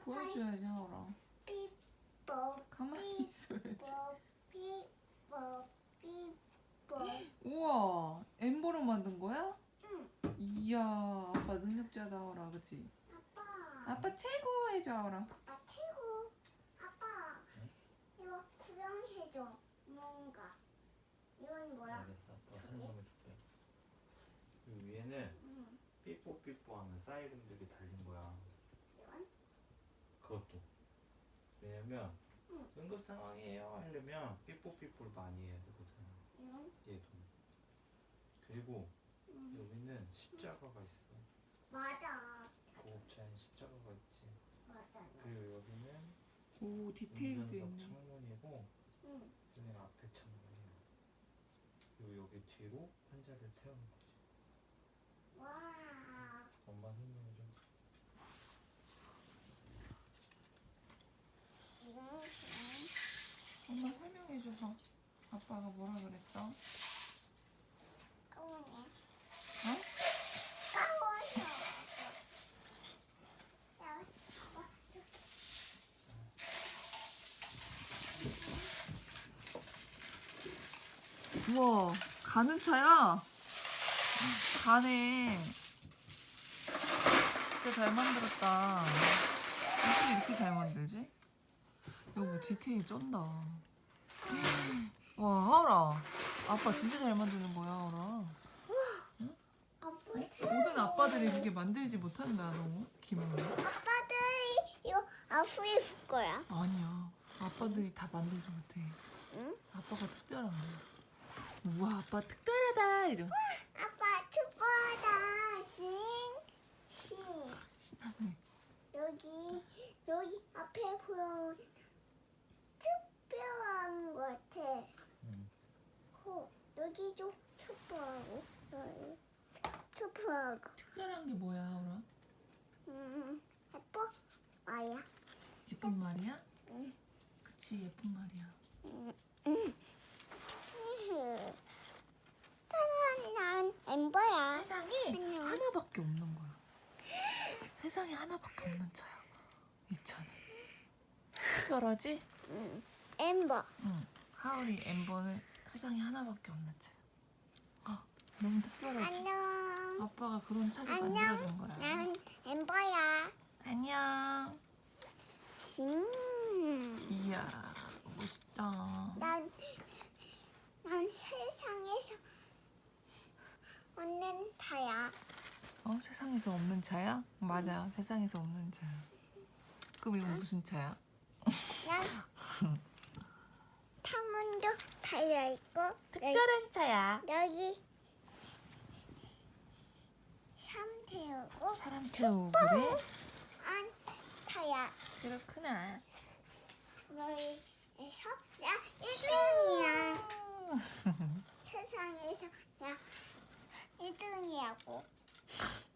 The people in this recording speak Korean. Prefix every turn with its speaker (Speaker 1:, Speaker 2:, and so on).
Speaker 1: 보여줘야지 하오라.
Speaker 2: 삐뽀
Speaker 1: 가만히 있어야지.
Speaker 2: 삐뽀 삐뽀.
Speaker 1: 우와, 엠버로 만든 거야?
Speaker 2: 응.
Speaker 1: 이야, 아빠 능력자다 하오라, 그치?
Speaker 2: 아빠.
Speaker 1: 아빠 최고 해줘 하오라.
Speaker 2: 아빠 최고. 아빠. 이거 구경해줘. 뭔가. 이건 뭐야?
Speaker 3: 알겠어. 아빠 설명해줄게. 이 위에는
Speaker 2: 응.
Speaker 3: 삐뽀삐뽀 하는 사이렌들이 달린 거야.
Speaker 2: 이건?
Speaker 3: 그것도. 왜냐면
Speaker 2: 응.
Speaker 3: 응급 상황이에요 하려면 삐뽀삐뽀를 많이 해야 되거든.
Speaker 2: 이건?
Speaker 3: 얘도. 그리고
Speaker 2: 응.
Speaker 3: 여기는 십자가가 있어.
Speaker 2: 맞아.
Speaker 3: 고급차인 십자가가 있지.
Speaker 2: 맞아.
Speaker 3: 그리고 여기는
Speaker 1: 오, 디테일도
Speaker 3: 운전석
Speaker 1: 있네.
Speaker 3: 창문이고
Speaker 2: 응.
Speaker 3: 여기는 앞에 창문이야. 그리고 여기 뒤로 환자를 태우는 거지.
Speaker 2: 와.
Speaker 3: 엄마 설명해줘.
Speaker 1: 엄마 설명해줘. 아빠가 뭐라 그랬어?
Speaker 2: 까우네.
Speaker 1: 어?
Speaker 2: 까워서.
Speaker 1: 우와, 가는 차야? 가네. 진짜 잘 만들었다. 어떻게 이렇게 잘 만들지? 여보, 디테일 쩐다. 와, 하울아. 아빠 진짜 잘 만드는 거야, 하울아. 모든 아빠들이 그렇게 만들지 못한다, 너. 김은혜.
Speaker 2: 아빠들이 이거 아프게 줄 거야.
Speaker 1: 아니야. 아빠들이 다 만들지 못해.
Speaker 2: 응?
Speaker 1: 아빠가 특별한 거야. 우와, 아빠 특별하다. 이러.
Speaker 2: 아빠 특별하다. 진.
Speaker 1: 신나네.
Speaker 2: 여기 앞에 보여 특별한 것 같아.
Speaker 3: 응.
Speaker 2: 여기도 특별하고 여기 특별하고.
Speaker 1: 특별한 게 뭐야, 하울아?
Speaker 2: 예뻐? 아야.
Speaker 1: 예쁜 말이야?
Speaker 2: 응.
Speaker 1: 그치, 예쁜 말이야.
Speaker 2: 난 엠버야.
Speaker 1: 세상에
Speaker 2: 안녕.
Speaker 1: 하나밖에 없는 거야. 세상에 하나밖에 없는 차야. 이 차는. 특별하지?
Speaker 2: 엠버.
Speaker 1: 응. 하울이 엠버는 세상에 하나밖에 없는 차야. 너무 특별하지?
Speaker 2: 안녕.
Speaker 1: 아빠가 그런 차를
Speaker 2: 안녕.
Speaker 1: 만들어준 거야.
Speaker 2: 난 엠버야.
Speaker 1: 안녕. 이야, 멋있다.
Speaker 2: 난 세상에서 없는 타야.
Speaker 1: 세상에서 없는 차야? 맞아, 세상에서 없는 차야. 그럼 이건 무슨 차야?
Speaker 2: 난 탐문도 달려 있고
Speaker 1: 특별한 차야.
Speaker 2: 여기 샴 태우고
Speaker 1: 사람 태우고 그래?
Speaker 2: 안 타야.
Speaker 1: 그렇구나.
Speaker 2: 여기에서 나 1등이야. 세상에서 나 1등이라고.